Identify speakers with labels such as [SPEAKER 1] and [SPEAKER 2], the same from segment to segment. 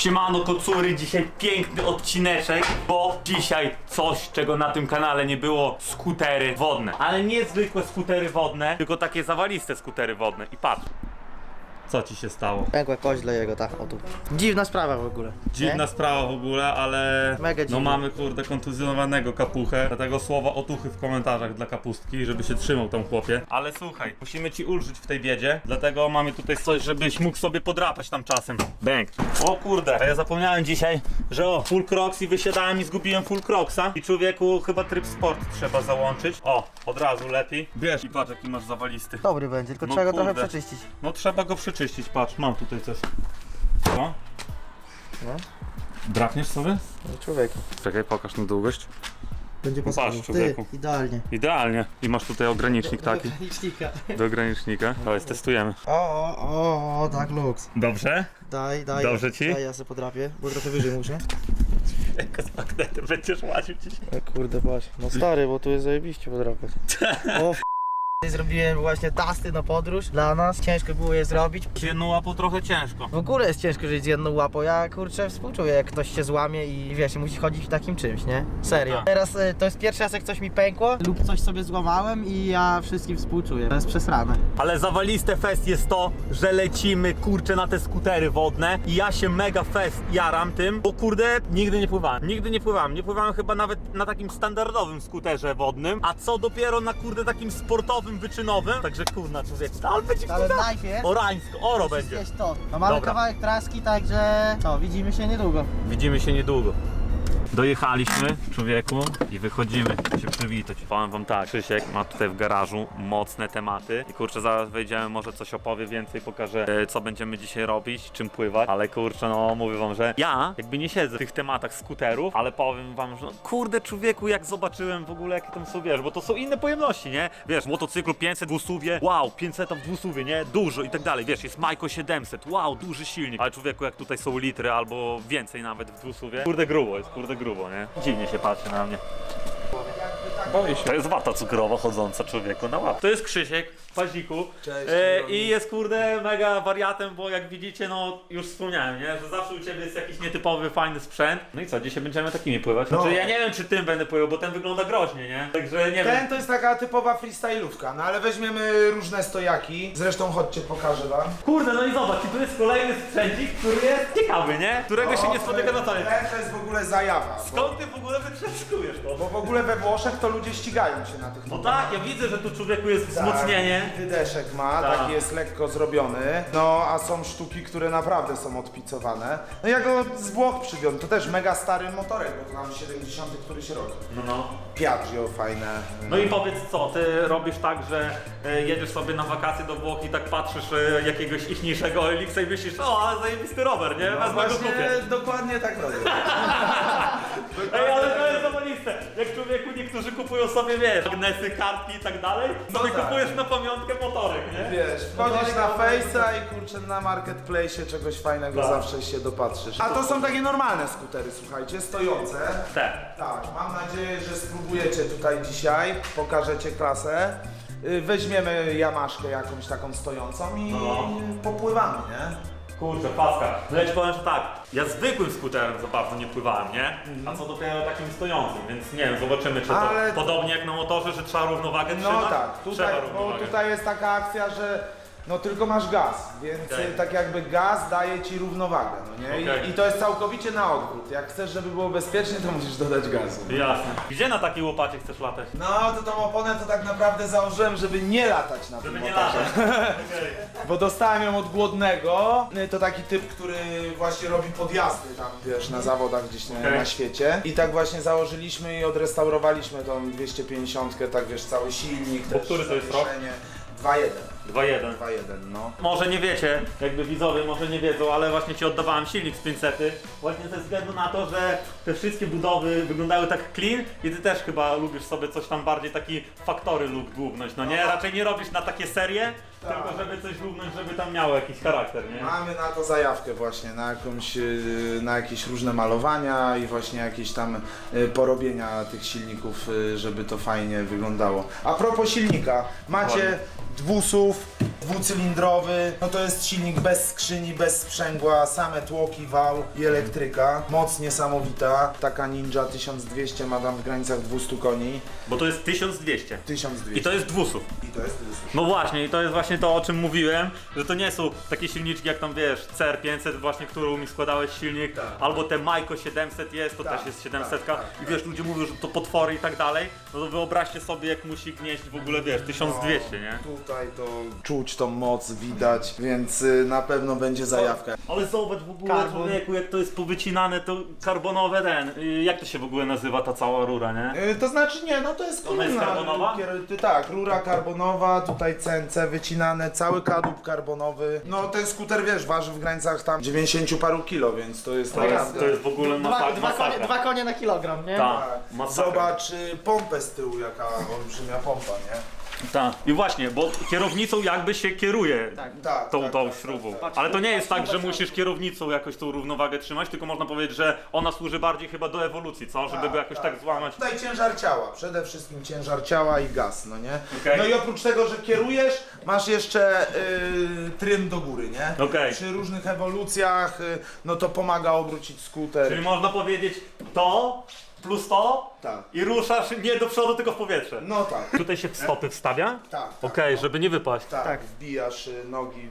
[SPEAKER 1] Siemano kocury, dzisiaj piękny odcineczek, bo dzisiaj coś, czego na tym kanale nie było, skutery wodne. Ale nie zwykłe skutery wodne, tylko takie zawaliste skutery wodne. I patrz, co ci się stało?
[SPEAKER 2] Pękła kość dla jego, tak, o tu. Dziwna sprawa w ogóle.
[SPEAKER 1] Dziwna sprawa w ogóle, ale
[SPEAKER 2] Mega
[SPEAKER 1] no
[SPEAKER 2] dziwna.
[SPEAKER 1] mamy kurde kontuzjonowanego kapuchę, dlatego słowa otuchy w komentarzach dla kapustki, żeby się trzymał tam chłopie. Ale słuchaj, musimy ci ulżyć w tej biedzie, dlatego mamy tutaj coś, żebyś mógł sobie podrapać tam czasem. Bęk. O kurde, a ja zapomniałem dzisiaj, że o, full crocs i wysiadałem i zgubiłem full crocsa i człowieku chyba tryb sport trzeba załączyć. O, od razu lepiej. Bierz i patrz jaki masz zawalisty.
[SPEAKER 2] Dobry będzie, tylko
[SPEAKER 1] No
[SPEAKER 2] trzeba go trochę
[SPEAKER 1] kurde.
[SPEAKER 2] przeczyścić.
[SPEAKER 1] No trzeba go przeczyścić, patrz, mam tutaj coś. Co?
[SPEAKER 2] No,
[SPEAKER 1] Drapniesz sobie?
[SPEAKER 2] no człowieku.
[SPEAKER 1] Czekaj, pokaż na długość.
[SPEAKER 2] Będzie pasował. Ty,
[SPEAKER 1] człowieku.
[SPEAKER 2] idealnie.
[SPEAKER 1] Idealnie. I masz tutaj ogranicznik taki.
[SPEAKER 2] Licznika.
[SPEAKER 1] Do ogranicznika. Dawaj, testujemy.
[SPEAKER 2] O, tak luks.
[SPEAKER 1] Dobrze?
[SPEAKER 2] Daj.
[SPEAKER 1] Dobrze ci?
[SPEAKER 2] Daj, ja sobie podrapię, bo trochę wyżej muszę.
[SPEAKER 1] Jak z magnetem będziesz łaził dzisiaj.
[SPEAKER 2] O kurde, patrz. No stary, bo tu jest zajebiście podrapać. O Zrobiłem właśnie tasty na podróż dla nas, ciężko było je zrobić.
[SPEAKER 1] Z jedną łapą trochę ciężko.
[SPEAKER 2] W ogóle jest ciężko żyć z jedną łapą, ja kurczę współczuję jak ktoś się złamie i wiesz, musi chodzić w takim czymś, nie? Serio.
[SPEAKER 1] No tak.
[SPEAKER 2] Teraz to jest pierwszy raz jak coś mi pękło lub coś sobie złamałem i ja wszystkim współczuję. To jest przesrane.
[SPEAKER 1] Ale zawaliste fest jest to, że lecimy kurczę na te skutery wodne i ja się mega fest jaram tym, bo kurde nigdy nie pływałem. Nie pływałem chyba nawet na takim standardowym skuterze wodnym, a co dopiero na kurde takim sportowym, wyczynowym. Także kurna człowiek, ale będzie
[SPEAKER 2] Ale
[SPEAKER 1] kurna
[SPEAKER 2] najpierw
[SPEAKER 1] orańsko, oro
[SPEAKER 2] musisz
[SPEAKER 1] będzie.
[SPEAKER 2] zjeść to. No mamy
[SPEAKER 1] Dobra.
[SPEAKER 2] kawałek traski, także co, widzimy się niedługo.
[SPEAKER 1] Widzimy się niedługo. Dojechaliśmy, człowieku, i wychodzimy się przywitać. Powiem wam tak, Krzysiek ma tutaj w garażu mocne tematy i kurczę, zaraz wejdziemy, może coś opowie więcej, pokażę co będziemy dzisiaj robić, czym pływać, ale kurczę, no mówię wam, że ja jakby nie siedzę w tych tematach skuterów, ale powiem wam, że no, kurde człowieku, jak zobaczyłem w ogóle jakie tam są, wiesz, bo to są inne pojemności, nie? Wiesz, motocyklu 500 dwusuwie, wow, 500 w dwusuwie, nie? Dużo i tak dalej, wiesz, jest Majko 700, wow, duży silnik, ale człowieku, jak tutaj są litry albo więcej nawet w dwusuwie, kurde grubo jest, kurde grubo, nie? Dziwnie się patrzy na mnie.
[SPEAKER 3] Boję się.
[SPEAKER 1] To jest wata cukrowa chodząca człowieku na łap. To jest Krzysiek w paździku.
[SPEAKER 3] Cześć,
[SPEAKER 1] I jest kurde mega wariatem, bo jak widzicie, no już wspomniałem, nie? Że zawsze u ciebie jest jakiś nietypowy, fajny sprzęt. No i co, dzisiaj będziemy takimi pływać?
[SPEAKER 3] No.
[SPEAKER 1] Znaczy, ja nie wiem czy tym będę pływał, bo ten wygląda groźnie, nie? Także nie
[SPEAKER 3] Ten
[SPEAKER 1] wiem.
[SPEAKER 3] to jest taka typowa freestyle'ówka, no ale weźmiemy różne stojaki. Zresztą chodźcie, pokażę wam.
[SPEAKER 1] Kurde, no i zobacz, i tu jest kolejny sprzęcik, który jest ciekawy, nie? Którego się nie spotyka na co dzień.
[SPEAKER 3] Ten to jest w ogóle zajawa.
[SPEAKER 1] Skąd ty w ogóle wytrzeskujesz to?
[SPEAKER 3] Bo w ogóle we Włoszech to ludzie ścigają się na tych
[SPEAKER 1] No
[SPEAKER 3] motorach.
[SPEAKER 1] tak, ja widzę, że tu człowieku jest
[SPEAKER 3] Tak,
[SPEAKER 1] wzmocnienie.
[SPEAKER 3] wydeszek ma,
[SPEAKER 1] Tak.
[SPEAKER 3] taki jest lekko zrobiony. No a są sztuki, które naprawdę są odpicowane. No ja go z Włoch przywiozłem, to też mega stary motorek, bo to nam 70 któryś rok.
[SPEAKER 1] No.
[SPEAKER 3] Piaggio fajne.
[SPEAKER 1] No i powiedz co, ty robisz tak, że jedziesz sobie na wakacje do Włoch i tak patrzysz jakiegoś ichniejszego Elixa i myślisz, o, ale zajebisty rower, nie?
[SPEAKER 3] No
[SPEAKER 1] Wezmę go
[SPEAKER 3] właśnie,
[SPEAKER 1] kupię.
[SPEAKER 3] dokładnie tak robię.
[SPEAKER 1] Ej, ale to jest zawaliste. Jak człowieku niektórzy kupują sobie, wiesz, magnesy, kartki i tak dalej, to ty
[SPEAKER 3] tak.
[SPEAKER 1] kupujesz na pamiątkę motorek, nie?
[SPEAKER 3] Wiesz, wchodzisz na Face'a i kurczę na Marketplace czegoś fajnego
[SPEAKER 1] Tak.
[SPEAKER 3] zawsze się dopatrzysz. A to są takie normalne skutery, słuchajcie, stojące.
[SPEAKER 1] Te.
[SPEAKER 3] Tak, mam nadzieję, że spróbujecie tutaj dzisiaj, pokażecie klasę. Weźmiemy jamaszkę jakąś taką stojącą i
[SPEAKER 1] No.
[SPEAKER 3] popływamy, nie?
[SPEAKER 1] Kurczę, paska. No ja ci powiem, że tak, ja zwykłym skuterem za bardzo nie pływałem, nie? A co dopiero takim stojącym, więc nie wiem, zobaczymy czy to
[SPEAKER 3] Ale-
[SPEAKER 1] podobnie jak na motorze, że trzeba równowagę
[SPEAKER 3] No
[SPEAKER 1] trzymać?
[SPEAKER 3] tak, tutaj,
[SPEAKER 1] Trzeba
[SPEAKER 3] bo
[SPEAKER 1] równowagę.
[SPEAKER 3] tutaj jest taka akcja, że no tylko masz gaz, więc
[SPEAKER 1] Okej.
[SPEAKER 3] tak jakby gaz daje ci równowagę, no nie?
[SPEAKER 1] Okej.
[SPEAKER 3] I to jest całkowicie na odwrót. Jak chcesz, żeby było bezpiecznie, to musisz dodać gazu.
[SPEAKER 1] Jasne. Gdzie na takiej łopacie chcesz latać?
[SPEAKER 3] No to tą oponę to tak naprawdę założyłem, żeby nie latać na tym
[SPEAKER 1] Żeby nie
[SPEAKER 3] motorze.
[SPEAKER 1] latać. Okej.
[SPEAKER 3] Bo dostałem ją od głodnego. To taki typ, który właśnie robi podjazdy tam, wiesz, na zawodach gdzieś
[SPEAKER 1] Okej.
[SPEAKER 3] na świecie. I tak właśnie założyliśmy i odrestaurowaliśmy tą 250, tak wiesz, cały silnik.
[SPEAKER 1] Bo
[SPEAKER 3] też
[SPEAKER 1] który to jest rok?
[SPEAKER 3] zawieszenie. 2.1.
[SPEAKER 1] 2-1.
[SPEAKER 3] 2.1, no.
[SPEAKER 1] Może nie wiecie, jakby widzowie może nie wiedzą, ale właśnie ci oddawałem silnik z 500 właśnie ze względu na to, że te wszystkie budowy wyglądały tak clean i ty też chyba lubisz sobie coś tam bardziej taki faktory look dłubnąć, no nie? Raczej nie robisz na takie serie,
[SPEAKER 3] Tak.
[SPEAKER 1] tylko żeby coś dłubnąć, żeby tam miało jakiś charakter, nie?
[SPEAKER 3] Mamy na to zajawkę właśnie, na jakąś, na jakieś różne malowania i właśnie jakieś tam porobienia tych silników, żeby to fajnie wyglądało. A propos silnika, macie dwusów, dwucylindrowy, no to jest silnik bez skrzyni, bez sprzęgła, same tłoki, wał i elektryka. Moc niesamowita. Taka Ninja 1200 ma tam w granicach 200 koni.
[SPEAKER 1] Bo to jest 1200.
[SPEAKER 3] 1200.
[SPEAKER 1] I to jest 200.
[SPEAKER 3] I to jest 200.
[SPEAKER 1] No właśnie, i to jest właśnie to, o czym mówiłem, że to nie są takie silniczki jak tam wiesz, CR500 właśnie, którą mi składałeś silnik, albo te Majko 700 jest, to
[SPEAKER 3] Tak,
[SPEAKER 1] też jest 700
[SPEAKER 3] tak,
[SPEAKER 1] i wiesz, ludzie mówią, że to potwory i tak dalej, no to wyobraźcie sobie jak musi gnieść w ogóle, wiesz, 1200, nie?
[SPEAKER 3] Tutaj to czuć tą moc, widać, więc na pewno będzie zajawka.
[SPEAKER 1] Ale zobacz w ogóle,
[SPEAKER 2] Karbon.
[SPEAKER 1] człowieku, jak to jest powycinane, to karbonowe jak to się w ogóle nazywa ta cała rura, nie?
[SPEAKER 3] To znaczy nie, no to jest
[SPEAKER 1] Ona jest
[SPEAKER 3] kolumna,
[SPEAKER 1] karbonowa?
[SPEAKER 3] Tak, rura karbonowa, tutaj CNC wycinane, cały kadłub karbonowy. No ten skuter wiesz, waży w granicach tam 90 paru kilo, więc to jest naprawdę...
[SPEAKER 1] To jest w ogóle masakra.
[SPEAKER 2] Dwa konie na kilogram, nie?
[SPEAKER 1] Tak,
[SPEAKER 3] Tak.
[SPEAKER 1] masakra.
[SPEAKER 3] Zobacz pompę z tyłu, jaka olbrzymia pompa, nie?
[SPEAKER 1] Tak. I właśnie, bo kierownicą jakby się kieruje
[SPEAKER 3] Tak,
[SPEAKER 1] tą
[SPEAKER 3] tak,
[SPEAKER 1] śrubą.
[SPEAKER 3] tak.
[SPEAKER 1] Ale to nie jest tak, że musisz kierownicą jakoś tą równowagę trzymać, tylko można powiedzieć, że ona służy bardziej chyba do ewolucji, co? Żeby go jakoś tak złamać.
[SPEAKER 3] Tutaj ciężar ciała, przede wszystkim ciężar ciała i gaz, no nie?
[SPEAKER 1] Okej.
[SPEAKER 3] No i oprócz tego, że kierujesz, masz jeszcze trym do góry, nie?
[SPEAKER 1] Okej.
[SPEAKER 3] Przy różnych ewolucjach, no to pomaga obrócić skuter.
[SPEAKER 1] Czyli można powiedzieć to plus to
[SPEAKER 3] Tak.
[SPEAKER 1] i ruszasz nie do przodu, tylko w powietrze.
[SPEAKER 3] No tak,
[SPEAKER 1] Tutaj się stopy wstawia?
[SPEAKER 3] tak.
[SPEAKER 1] Okej, żeby nie wypaść.
[SPEAKER 3] Tak, wbijasz nogi.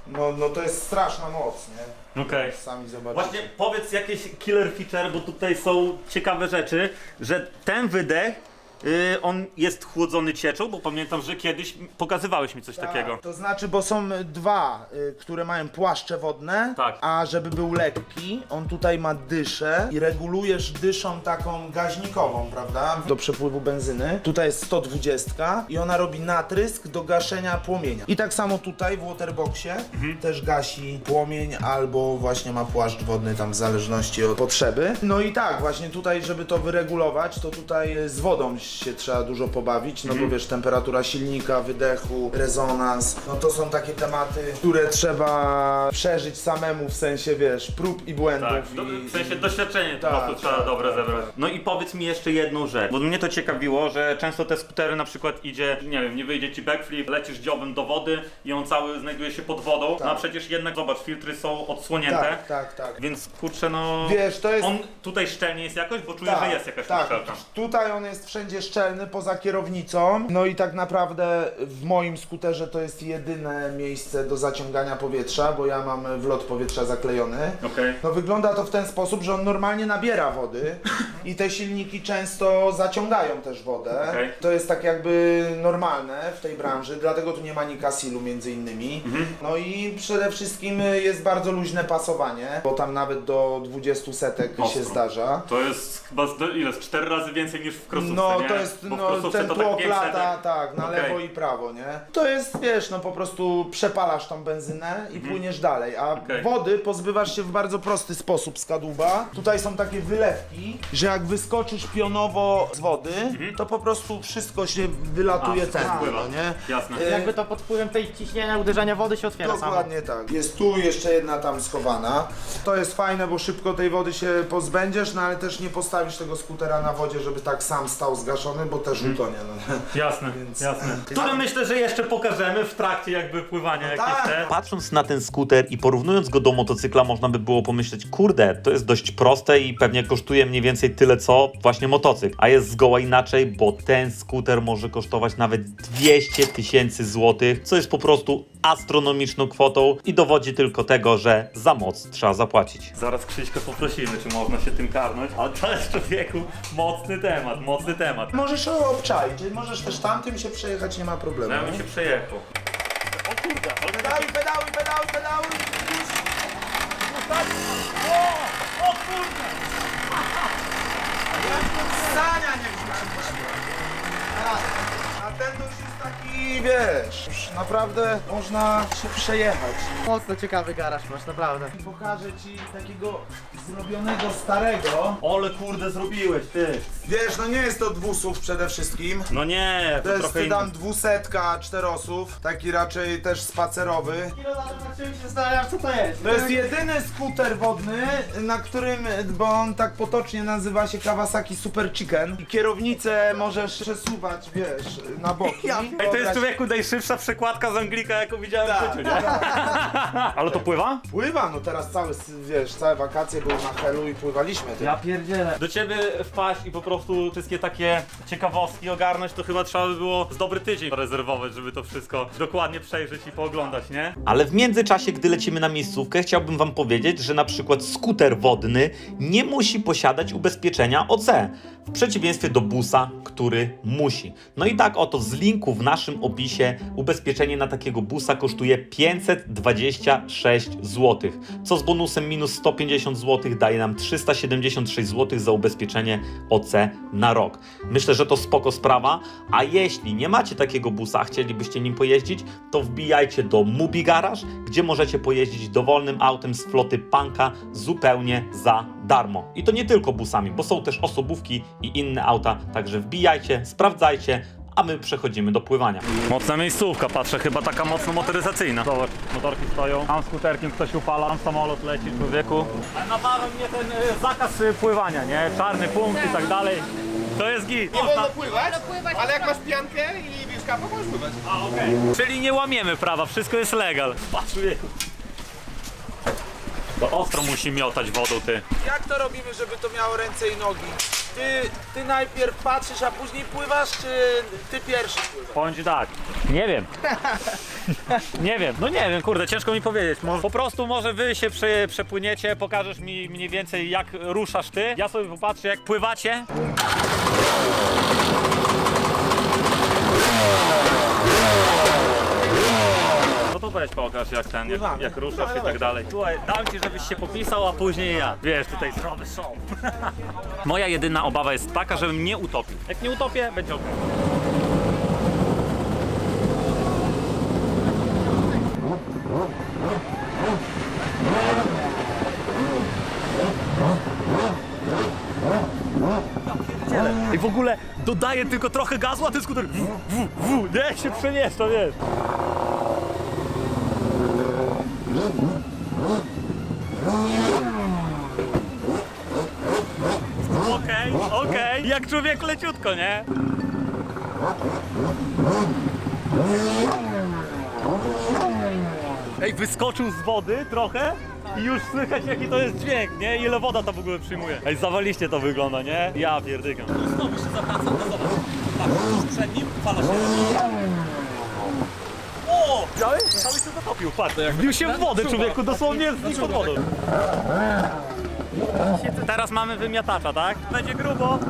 [SPEAKER 3] No to jest straszna moc, nie?
[SPEAKER 1] Okej.
[SPEAKER 3] Sami zobaczycie.
[SPEAKER 1] Właśnie powiedz jakieś killer feature, bo tutaj są ciekawe rzeczy, że ten wydech, on jest chłodzony cieczą, bo pamiętam, że kiedyś pokazywałeś mi coś takiego.
[SPEAKER 3] To znaczy, bo są dwa, które mają płaszcze wodne,
[SPEAKER 1] Tak.
[SPEAKER 3] a żeby był lekki, on tutaj ma dyszę i regulujesz dyszą taką gaźnikową, prawda? Do przepływu benzyny. Tutaj jest 120 i ona robi natrysk do gaszenia płomienia. I tak samo tutaj w waterboxie też gasi płomień albo właśnie ma płaszcz wodny tam w zależności od potrzeby. No i tak, właśnie tutaj, żeby to wyregulować, to tutaj z wodą się trzeba dużo pobawić, no bo wiesz, temperatura silnika, wydechu, rezonans, no to są takie tematy, które trzeba przeżyć samemu, w sensie, wiesz, prób i błędów.
[SPEAKER 1] Tak, w sensie doświadczenie po prostu trzeba dobre zebrać. No i powiedz mi jeszcze jedną rzecz, bo mnie to ciekawiło, że często te skutery na przykład idzie, nie wiem, nie wyjdzie ci backflip, lecisz dziobem do wody i on cały znajduje się pod wodą, no a przecież jednak zobacz, filtry są odsłonięte,
[SPEAKER 3] Tak.
[SPEAKER 1] więc kurczę no,
[SPEAKER 3] Wiesz, to jest...
[SPEAKER 1] on tutaj szczelnie jest jakoś, bo czuję, że jest jakaś uszczelka.
[SPEAKER 3] Tutaj on jest wszędzie szczelny, poza kierownicą, no i tak naprawdę w moim skuterze to jest jedyne miejsce do zaciągania powietrza, bo ja mam wlot powietrza zaklejony.
[SPEAKER 1] Okej.
[SPEAKER 3] No wygląda to w ten sposób, że on normalnie nabiera wody i te silniki często zaciągają też wodę.
[SPEAKER 1] Okej.
[SPEAKER 3] To jest tak jakby normalne w tej branży, dlatego tu nie ma Nikasilu między innymi. No i przede wszystkim jest bardzo luźne pasowanie, bo tam nawet do 20 setek się
[SPEAKER 1] Ostro.
[SPEAKER 3] zdarza.
[SPEAKER 1] To jest chyba ile? 4 razy więcej niż w krosówce,
[SPEAKER 3] No
[SPEAKER 1] nie?
[SPEAKER 3] to jest,
[SPEAKER 1] Bo w
[SPEAKER 3] no
[SPEAKER 1] krosówce
[SPEAKER 3] ten
[SPEAKER 1] to
[SPEAKER 3] tłok
[SPEAKER 1] 5
[SPEAKER 3] lata,
[SPEAKER 1] setek.
[SPEAKER 3] tak, na
[SPEAKER 1] Okej.
[SPEAKER 3] lewo i prawo, nie? To jest, wiesz, no po prostu przepalasz tą benzynę i płyniesz dalej, a
[SPEAKER 1] Okej.
[SPEAKER 3] wody pozbywasz się w bardzo prosty sposób z kadłuba. Tutaj są takie wylewki, że jak wyskoczysz pionowo z wody, to po prostu wszystko się wylatuje
[SPEAKER 1] wszystko
[SPEAKER 3] ten,
[SPEAKER 1] spływa.
[SPEAKER 3] no nie?
[SPEAKER 1] Jasne.
[SPEAKER 2] Jakby to pod wpływem tej ciśnienia, uderzenia wody się otwiera samo.
[SPEAKER 3] Dokładnie tak. Jest tu jeszcze jedna tam schowana. To jest fajne, bo szybko tej wody się pozbędziesz, no ale też nie postawisz tego skutera na wodzie, żeby tak sam stał zgaszony, bo też utonie, no nie?
[SPEAKER 1] Jasne,
[SPEAKER 3] Więc-
[SPEAKER 1] jasne. Które myślę, że jeszcze pokażemy w trakcie jakby pływania jakieś
[SPEAKER 3] tak.
[SPEAKER 1] te.
[SPEAKER 4] Patrząc na ten skuter i porównując go do motocykla, można by było pomyśleć, kurde, to jest dość proste i pewnie kosztuje mniej więcej tyle co właśnie motocykl. A jest zgoła inaczej, bo ten skuter może kosztować nawet 200 000 złotych, co jest po prostu astronomiczną kwotą i dowodzi tylko tego, że za moc trzeba zapłacić.
[SPEAKER 1] Zaraz Krzyśka poprosimy, czy można się tym karnąć, ale to jest człowieku mocny temat, mocny temat.
[SPEAKER 3] Możesz obczaić, możesz też tamtym się przejechać, nie ma problemu.
[SPEAKER 1] Ja bym się przejechał. O kurde, ale
[SPEAKER 3] Pedały, pedały!
[SPEAKER 1] O kurde!
[SPEAKER 3] Sania nie a ten to już jest taki, wiesz, już naprawdę można się przejechać.
[SPEAKER 2] Mocno ciekawy garaż masz, naprawdę.
[SPEAKER 3] Pokażę ci takiego zrobionego starego.
[SPEAKER 1] Ole kurde zrobiłeś, ty.
[SPEAKER 3] Wiesz, no nie jest to dwusów przede wszystkim.
[SPEAKER 1] No nie,
[SPEAKER 3] To jest
[SPEAKER 1] trochę
[SPEAKER 3] sedan 200, 4-osów, taki raczej też spacerowy.
[SPEAKER 2] Chwilę zobaczyłem się zastanawiam, co to jest.
[SPEAKER 3] To jest jedyny skuter wodny, na którym, bo on tak potocznie nazywa się Kawasaki Super Chicken. I kierownicę możesz przesuwać, wiesz, na boki.
[SPEAKER 1] Ej, to jest człowieku najszybsza przekładka z Anglika, jaką widziałem w życiu, nie? Ale to pływa?
[SPEAKER 3] Pływa, no teraz całe wakacje były na Helu i pływaliśmy tym.
[SPEAKER 1] Ja pierdzielę. Do ciebie wpaść i po prostu wszystkie takie ciekawostki ogarnąć, to chyba trzeba by było z dobry tydzień rezerwować, żeby to wszystko dokładnie przejrzeć i pooglądać, nie?
[SPEAKER 4] Ale w międzyczasie, gdy lecimy na miejscówkę, chciałbym wam powiedzieć, że na przykład skuter wodny nie musi posiadać ubezpieczenia OC, w przeciwieństwie do busa, który musi. No i tak oto z linku w naszym opisie ubezpieczenie na takiego busa kosztuje 526 zł, co z bonusem minus 150 zł daje nam 376 zł za ubezpieczenie OC na rok. Myślę, że to spoko sprawa, a jeśli nie macie takiego busa, a chcielibyście nim pojeździć, to wbijajcie do Mubi Garage, gdzie możecie pojeździć dowolnym autem z floty Punka zupełnie za darmo. I to nie tylko busami, bo są też osobówki i inne auta, także wbijajcie, sprawdzajcie, a my przechodzimy do pływania.
[SPEAKER 1] Mocna miejscówka, patrzę, chyba taka mocno motoryzacyjna. Zobacz, motorki stoją, tam skuterkiem ktoś upala, tam samolot leci, człowieku. Ale nawarł mnie ten zakaz pływania, nie? Czarny punkt i tak dalej. To jest git.
[SPEAKER 5] Nie wolno pływać, ale jak masz piankę i wieszka, to możesz pływać.
[SPEAKER 1] A, okej. Czyli nie łamiemy prawa, wszystko jest legal. Patrz, człowieku. To ostro musi miotać wodą, ty.
[SPEAKER 3] Jak to robimy, żeby to miało ręce i nogi? Ty najpierw patrzysz, a później pływasz, czy ty pierwszy pływasz?
[SPEAKER 1] Powiem ci tak, nie wiem. Nie wiem, no nie wiem, kurde, ciężko mi powiedzieć. Po prostu może wy się przepłyniecie, pokażesz mi mniej więcej jak ruszasz ty. Ja sobie popatrzę jak pływacie. No to weź pokaż jak ten, jak ruszasz i tak dalej. Słuchaj, dam ci, żebyś się popisał, a później ja. Wiesz, tutaj zdrowy są. Moja jedyna obawa jest taka, żebym nie utopił. Jak nie utopię, będzie ok. I w ogóle dodaję tylko trochę gazu, a ten skuter nie się przemieszcza, wiesz. Okej, jak człowiek leciutko, nie? Ej, wyskoczył z wody trochę i już słychać jaki to jest dźwięk, nie? Ile woda to w ogóle przyjmuje. Ej, zawaliście to wygląda, nie? Ja pierdykam. Znowu się zawraca, to zobacz. Patrz, przed nim fala się. O! Widziałeś? Cały się zatopił, patrz. Wbił się w wodę, człowieku, dosłownie znikł pod wodą. Teraz mamy wymiatacza, tak? Będzie grubo.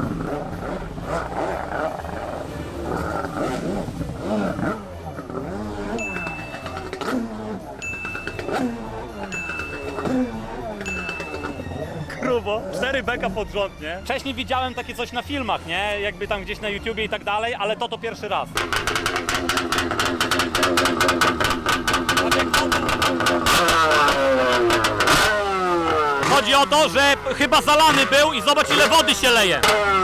[SPEAKER 1] Grubo. 4 beka pod rząd, nie? Wcześniej widziałem takie coś na filmach, nie? Jakby tam gdzieś na YouTubie i tak dalej, ale to pierwszy raz. Chodzi o to, że chyba zalany był i zobacz ile wody się leje.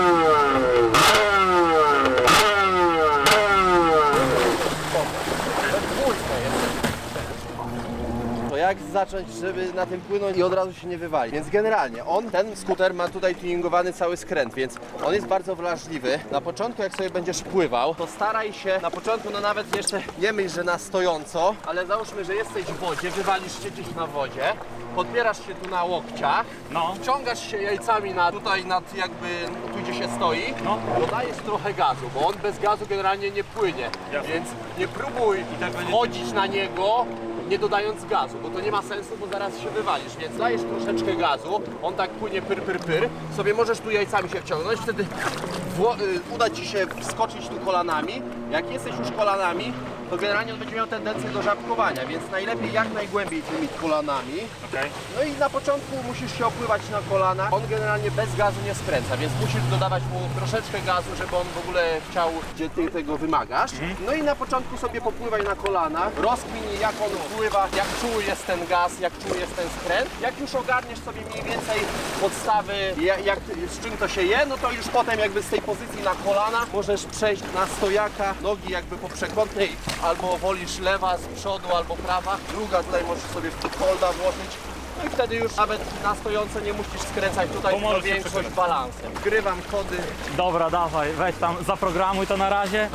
[SPEAKER 6] To jak zacząć, żeby na tym płynąć i od razu się nie wywalić? Więc generalnie ten skuter ma tutaj tuningowany cały skręt, więc on jest bardzo wrażliwy. Na początku jak sobie będziesz pływał, to staraj się, na początku no nawet jeszcze nie myśl, że na stojąco, ale załóżmy, że jesteś w wodzie, wywalisz się gdzieś na wodzie, podpierasz się tu na łokciach,
[SPEAKER 1] No.
[SPEAKER 6] wciągasz się jajcami tutaj nad jakby tu gdzie się stoi,
[SPEAKER 1] No.
[SPEAKER 6] dodajesz trochę gazu, bo on bez gazu generalnie nie płynie,
[SPEAKER 1] Jasne.
[SPEAKER 6] więc nie próbuj wchodzić na niego nie dodając gazu, bo to nie ma sensu, bo zaraz się wywalisz, więc dajesz troszeczkę gazu, on tak płynie pyr, sobie możesz tu jajcami się wciągnąć, wtedy uda Ci się wskoczyć tu kolanami, jak jesteś już kolanami, to generalnie on będzie miał tendencję do żabkowania, więc najlepiej jak najgłębiej tymi kolanami.
[SPEAKER 1] Okej.
[SPEAKER 6] No i na początku musisz się opływać na kolanach. On generalnie bez gazu nie skręca, więc musisz dodawać mu troszeczkę gazu, żeby on w ogóle chciał, gdzie ty tego wymagasz. No i na początku sobie popływaj na kolanach, rozkminij jak on pływa, jak czuły jest ten gaz, jak czuły jest ten skręt. Jak już ogarniesz sobie mniej więcej podstawy, z czym to się je, no to już potem jakby z tej pozycji na kolana możesz przejść na stojaka, nogi jakby po przekątnej, albo wolisz lewa z przodu, albo prawa. Druga tutaj możesz sobie w holda włożyć. No No i wtedy już nawet na stojące nie musisz skręcać tutaj,
[SPEAKER 1] Bo możesz
[SPEAKER 6] tylko
[SPEAKER 1] się
[SPEAKER 6] większość
[SPEAKER 1] przekonać.
[SPEAKER 6] balansem. Wgrywam kody.
[SPEAKER 1] Dobra, dawaj, weź tam, zaprogramuj to na razie.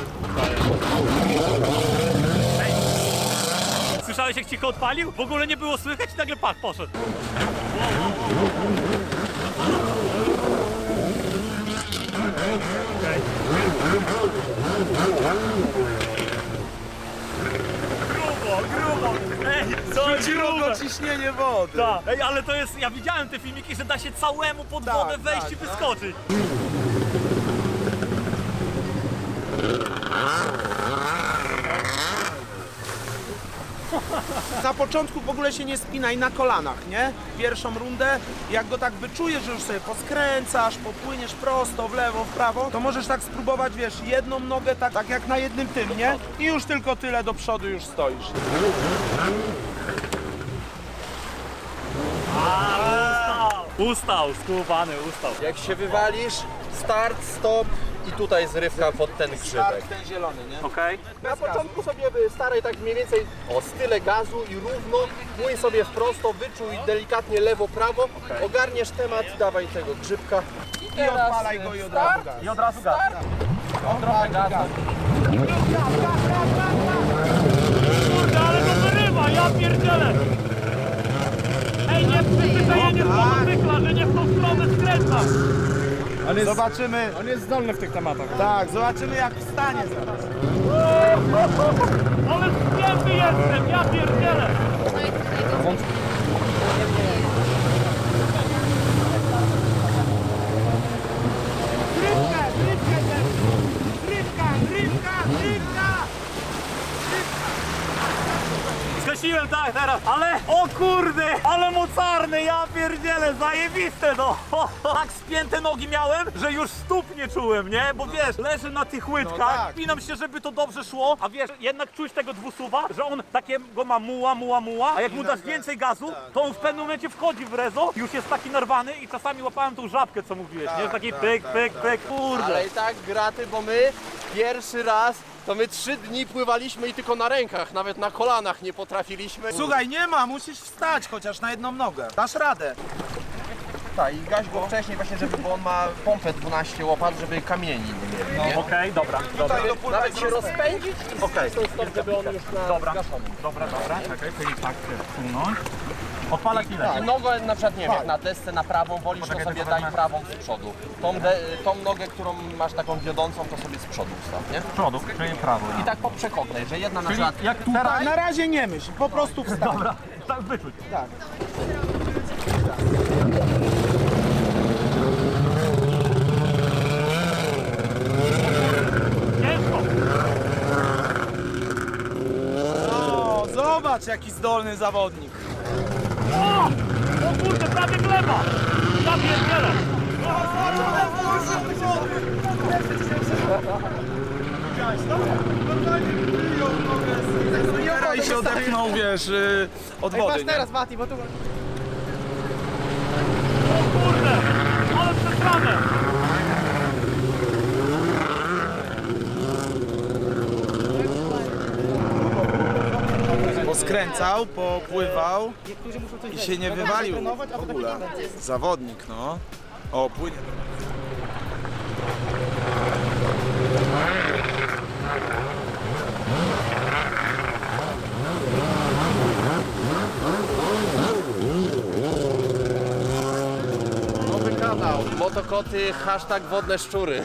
[SPEAKER 1] Słyszałeś, jak cicho odpalił? W ogóle nie było słychać i nagle pach, poszedł. Grubo! Ej, co grubo!
[SPEAKER 3] Ciśnienie wody.
[SPEAKER 1] Tak. Ej, ale to jest, ja widziałem te filmiki, że da się całemu pod wodę wejść i wyskoczyć.
[SPEAKER 3] Na początku w ogóle się nie spinaj na kolanach, nie? Pierwszą rundę, jak go tak wyczujesz, że już sobie poskręcasz, popłyniesz prosto, w lewo, w prawo, to możesz tak spróbować, wiesz, jedną nogę tak jak na jednym tym, nie? I już tylko tyle do przodu już stoisz.
[SPEAKER 1] Ustał, skubany, ustał.
[SPEAKER 6] Jak się wywalisz, start, stop i tutaj zrywka pod ten grzybek.
[SPEAKER 3] Ten zielony, nie?
[SPEAKER 1] Okej?
[SPEAKER 6] Na początku sobie staraj tak mniej więcej o style gazu i równo, płyń sobie wprosto, wyczuj delikatnie lewo, prawo, ogarniesz temat, dawaj tego grzybka.
[SPEAKER 3] I odpalaj go i od razu gaz.
[SPEAKER 1] I od razu gaz.
[SPEAKER 6] Trochę gazu.
[SPEAKER 1] Kurde, ale to wyrywa, ja pierdzielę! Ej, nie przyzwyczajenie z motocykla, że nie w tą stronę skręcam!
[SPEAKER 3] Zobaczymy.
[SPEAKER 5] On jest zdolny w tych tematach.
[SPEAKER 3] Tak, zobaczymy jak wstanie zaraz.
[SPEAKER 1] Ale spięty jestem, ja pierdzielę! Skosiłem tak teraz, ale o kurde, ale mocarny, ja pierdzielę, zajebiste no. Tak spięte nogi miałem, że już stóp nie czułem, nie? Bo wiesz, leżę na tych łydkach,
[SPEAKER 3] tak.
[SPEAKER 1] pinam się, żeby to dobrze szło, a wiesz, jednak czuć tego dwusuwa, że on takiego ma muła, a jak mu dasz więcej gazu, to on w pewnym momencie wchodzi w rezo, już jest taki narwany i czasami łapałem tą żabkę, co mówiłeś, nie? Taki pyk, kurde.
[SPEAKER 6] Ale i tak graty, bo my pierwszy raz to my 3 dni pływaliśmy i tylko na rękach, nawet na kolanach nie potrafiliśmy.
[SPEAKER 3] Słuchaj, nie ma, musisz wstać chociaż na jedną nogę. Dasz radę.
[SPEAKER 6] Tak, i gaś go wcześniej właśnie, bo on ma pompę 12 łopat, żeby kamieni nie mieli, nie?
[SPEAKER 1] Okej, dobra.
[SPEAKER 3] Tutaj dopływaj
[SPEAKER 6] Nawet się rozpędzić i
[SPEAKER 1] Okej.
[SPEAKER 6] stop, żeby on już na
[SPEAKER 1] Dobra.
[SPEAKER 6] zgaszonym.
[SPEAKER 1] Dobra, czekaj, czyli tak wsunąć. Odpalać ile?
[SPEAKER 6] I nogę na przykład, nie wiem, jak na desce na prawą wolisz, to sobie daj prawą z przodu. Tą nogę, którą masz taką wiodącą, to sobie z przodu ustaw, nie?
[SPEAKER 1] Z przodu, czyli prawo.
[SPEAKER 6] I tak po przechodnej, że jedna na przykład...
[SPEAKER 1] Jak tutaj?
[SPEAKER 3] Tak, na razie nie myśl, po prostu wstań.
[SPEAKER 1] Dobra, tak wyczuć.
[SPEAKER 3] Tak.
[SPEAKER 1] Ciężko.
[SPEAKER 3] O, zobacz jaki zdolny zawodnik.
[SPEAKER 1] O kurde, prawie gleba. Ja pierdzielę.
[SPEAKER 3] I się odepchnął, wiesz, od
[SPEAKER 2] Ej,
[SPEAKER 3] wody,
[SPEAKER 2] patrz
[SPEAKER 3] nie?
[SPEAKER 2] teraz, Mati, bo tu...
[SPEAKER 1] O kurde, ale przesrane.
[SPEAKER 3] Poskręcał, popływał
[SPEAKER 2] Niektórzy muszą coś
[SPEAKER 3] i się nie wywalił w ogóle. Zawodnik, no. O, płynie.
[SPEAKER 6] Nowy kanał, motokoty, hashtag wodne szczury.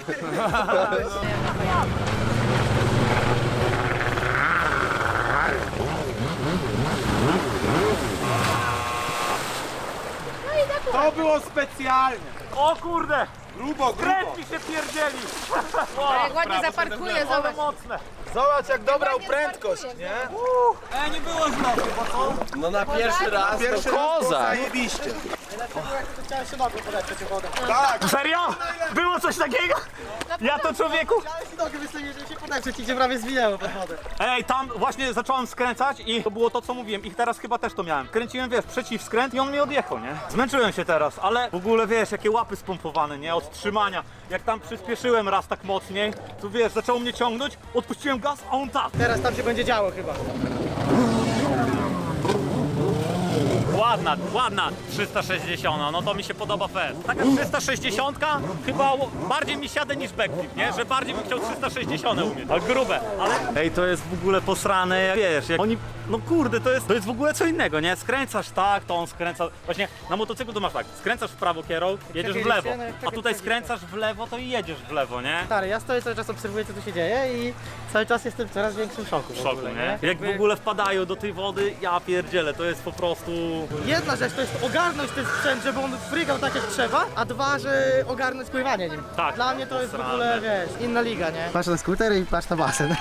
[SPEAKER 3] To było specjalnie.
[SPEAKER 1] O kurde,
[SPEAKER 3] Grubo, grubo.
[SPEAKER 1] kręt mi się pierdzieli.
[SPEAKER 7] Jak ładnie zaparkuje,
[SPEAKER 1] Ale
[SPEAKER 7] zobacz.
[SPEAKER 1] mocne.
[SPEAKER 3] Zobacz jak dobrał prędkość, nie?
[SPEAKER 1] Nie było źle, bo co?
[SPEAKER 6] No na pierwszy raz
[SPEAKER 3] Pierwszy
[SPEAKER 6] to
[SPEAKER 3] raz było
[SPEAKER 6] kozak.
[SPEAKER 3] zajebiście.
[SPEAKER 2] Chciałem się nogą podać przeciw wodę.
[SPEAKER 3] Tak,
[SPEAKER 1] Serio? Było coś takiego? Ja to człowieku?
[SPEAKER 2] Chciałem się nogę wystawić, żeby się podać, przeciw, gdzie prawie zwinęło pod wodę.
[SPEAKER 1] Ej, tam właśnie zacząłem skręcać i to było to, co mówiłem. I teraz chyba też to miałem. Kręciłem, wiesz, przeciwskręt i on mi odjechał, nie? Zmęczyłem się teraz, ale w ogóle, wiesz, jakie łapy spompowane, nie? Od trzymania. Jak tam przyspieszyłem raz tak mocniej, to wiesz, zaczął mnie ciągnąć, odpuściłem gaz, a on tak.
[SPEAKER 2] Teraz tam się będzie działo chyba.
[SPEAKER 1] Ładna 360, no to mi się podoba fest. Taka 360 chyba bardziej mi siada niż backflip, nie? Że bardziej bym chciał 360 umieć. Ale grube, ale... Ej, to jest w ogóle posrane, jak wiesz, jak oni... No kurde, to jest w ogóle co innego, nie? Skręcasz tak, to on skręca... Właśnie na motocyklu to masz tak, skręcasz w prawo kierą, jedziesz w lewo. A tutaj skręcasz w lewo, to i jedziesz w lewo, nie?
[SPEAKER 2] Stary, ja stoję cały czas, obserwuję co tu się dzieje i cały czas jestem w coraz większym szoku.
[SPEAKER 1] W szoku, nie? Jak w ogóle wpadają do tej wody, ja pierdzielę, to jest po prostu...
[SPEAKER 2] Jedna rzecz to jest ogarnąć ten sprzęt, żeby on frygał tak jak trzeba, a dwa, że ogarnąć pływanie nim.
[SPEAKER 1] Tak.
[SPEAKER 2] Dla mnie to jest w
[SPEAKER 1] Posrane.
[SPEAKER 2] ogóle, wiesz, inna liga, nie? Patrz na skuter i patrz na basen.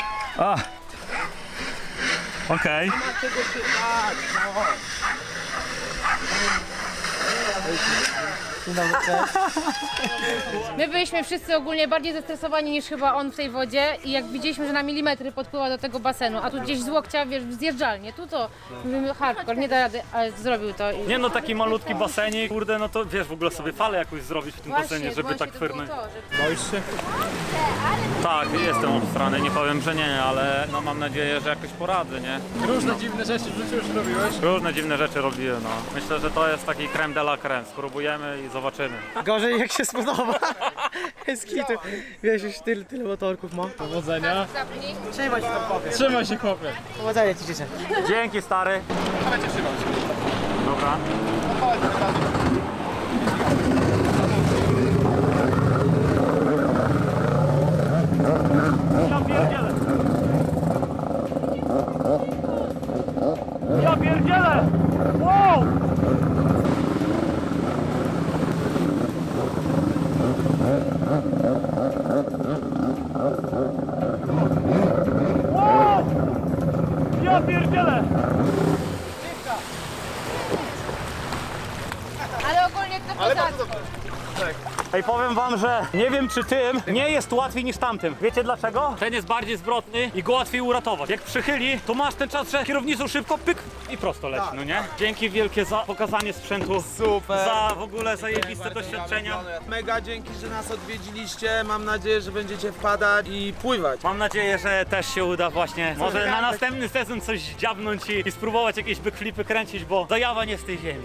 [SPEAKER 1] Okej.
[SPEAKER 7] My byliśmy wszyscy ogólnie bardziej zestresowani niż chyba on w tej wodzie i jak widzieliśmy, że na milimetry podpływa do tego basenu, a tu gdzieś z łokcia, wiesz, zjeżdżalnie, tu to mówimy hardcore, nie da rady, ale zrobił to. I...
[SPEAKER 1] Nie no, taki malutki basenik, kurde, no to wiesz, w ogóle sobie falę jakąś zrobić w tym basenie, żeby tak fyrnąć. Tak, jestem obstrany, nie powiem, że nie, ale no mam nadzieję, że jakoś poradzę, nie?
[SPEAKER 5] Różne dziwne rzeczy w życiu już robiłeś.
[SPEAKER 1] Różne dziwne rzeczy robiłem, no. Myślę, że to jest taki creme de la creme, spróbujemy i zobaczymy.
[SPEAKER 2] Gorzej jak się spodoba. Z kitu. Wiesz, już tyle motorków ma.
[SPEAKER 5] Powodzenia.
[SPEAKER 7] Zapnij.
[SPEAKER 2] Trzymaj się tam chłopie.
[SPEAKER 5] Trzymaj się, chłopie.
[SPEAKER 2] Powodzenia ci życzę.
[SPEAKER 1] Dzięki, stary.
[SPEAKER 5] Dawajcie, trzymać.
[SPEAKER 1] Dobra. Ja pierdzielę! Ja pierdzielę! Wow! Wow! Ja pierdzielę!
[SPEAKER 7] Ale ogólnie to poza...
[SPEAKER 1] Ej, powiem wam, że nie wiem czy tym nie jest łatwiej niż tamtym. Wiecie dlaczego? Ten jest bardziej zwrotny i go łatwiej uratować. Jak przychyli, to masz ten czas, że kierownicą szybko pyk i prosto leci, no nie? Dzięki wielkie za pokazanie sprzętu.
[SPEAKER 3] Super.
[SPEAKER 1] Za w ogóle zajebiste doświadczenia.
[SPEAKER 3] Mega dzięki, że nas odwiedziliście. Mam nadzieję, że będziecie wpadać i pływać.
[SPEAKER 1] Mam nadzieję, że też się uda właśnie może na następny sezon coś dziabnąć i spróbować jakieś backflipy kręcić, bo zajawa nie z tej ziemi.